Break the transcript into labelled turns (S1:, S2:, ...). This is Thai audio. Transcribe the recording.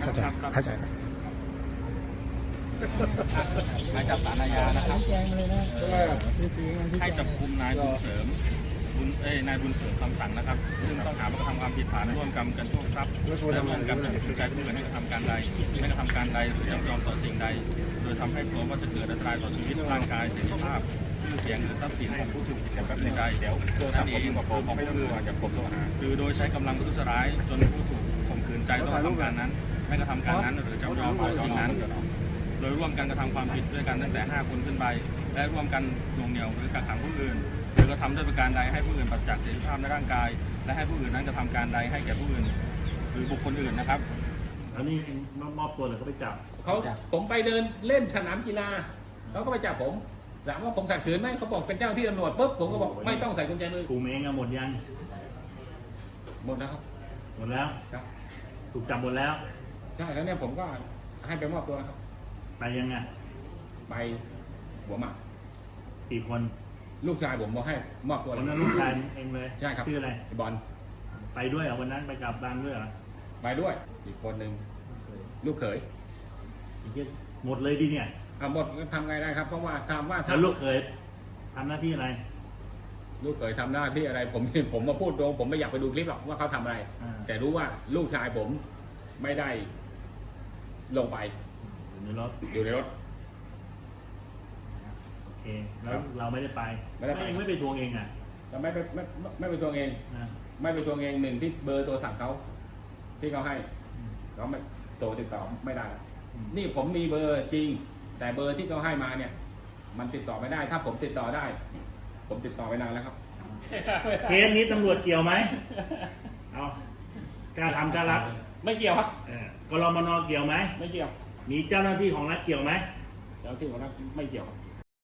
S1: เข้าใจเข้าใจครับ
S2: หมายจับศาลอาญานะครับให้จับกุมนายบุญเสริมนายบุญเสริมคำสั่งนะครับซึ่งต้องหาว่ากระทำความผิดฐานร่วมกันโชคทรัพย์และร่วมกันเป็นผู้ใจผู้อื่นให้กระทำการใดไม่กระทำการใดหรือจำยอมต่อสิ่งใดโดยทำให้กลัวว่าจะเกิดอันตรายต่อชีวิตร่างกายเสรีภาพชื่อเสียงหรือทรัพย์สินของผู้ถูกกระทำใดเดี๋ยวนั่นเองของผู้อื่นจะพบตัวหาคือโดยใช้กำลังประทุษร้ายจนผู้ถูกข่มขืนใจต้องกระทำการนั้นไม่กระทำการนั้นหรือจำยอมต่อสิ่งนั้นโดยร่วมกันกระทำความผิดด้วยกันตั้งแต่5 คนขึ้นไปและร่วมกันหน่วงเหนี่ยวหรือกักขังผู้อื่นหรือกระทำด้วยประการใดให้ผู้อื่นปราศจากเสรีภาพในร่างกายและให้ผู้อื่นนั้นกระทำการใดให้แก่ผู้อื่นหรือบุคคลอื่นนะครับ
S3: อันนี้มอบตัวหรือเขาไปจับ
S4: ผมไปเดินเล่นสนามกีฬาเขาก็ไปจับผมถามว่าผมขัดขืนไหมเขาบอกเป็นเจ้าหน้าที่ตำรวจปุ๊บผมก็บอกไม่ต้องใส่กุญแจมือก
S3: ลุ่มเองอะหมดยัง
S4: หมดแล้วครับ
S3: หมดแล้ว
S4: ครับ
S3: ถูกจับหมดแล้ว
S4: ใช่แล้วเนี่ยผมก็ให้ไปมอบตัวนะครับ
S3: ไปยังไง
S4: ไปหัวหมาก
S3: กี่คน
S4: ลูกชายผมบอกให้มอบตัว
S3: วันนั้นลูกชายเองเลย
S4: ใช่ครับ
S3: ชื่ออะไร
S4: ไอ้บอล
S3: ไปด้วยเหรอวันนั้นไปกับบ้านด้วยเหรอ
S4: ไปด้วยอีกคนหนึ่งลูกเขย
S3: อีกหมดเลยดิเนี่ย
S4: หมดก็ทำไงได้ครับเพราะว่าถามว่า
S3: แล้วลูกเคยทำหน้าที่อะไร
S4: ลูกเขยทำหน้าที่อะไรผมมาพูดตรงผมไม่อยากไปดูคลิปหรอกว่าเขาทำอะไร แต่รู้ว่าลูกชายผมไม่ได้ลงไป
S3: อยู่ในรถ
S4: อยู่ในรถ
S3: โอเคแล้วเราไม่ได้ไป
S4: ไม่ได้ไป
S3: ไม่ไปทวงเองอ่ะ
S4: แต่ไม่ไปทวงเอง
S3: นะ
S4: ไม่ไปทวงเองหนึ่งที่เบอร์โทรศัพท์เขาที่เขาให้เขาไม่โทรติดต่อไม่ได้ นี่ผมมีเบอร์จริง แต่เบอร์ที่เขาให้มาเนี่ย มันติดต่อไม่ได้ ถ้าผมติดต่อได้ ผมติดต่อไปนานแล้วครับ
S3: เคสนี้ตำรวจเกี่ยวไหมเอากล้าทำกล้ารับ
S4: ไม่เกี่ยวครับ
S3: กรมนเกี่ยวไหม
S4: ไม่เกี่ยว
S3: มีเจ้าหน้าที่ของรัฐเกี่ยวไหม
S4: เจ้าที่ของรัฐไม่เกี่ยวครับ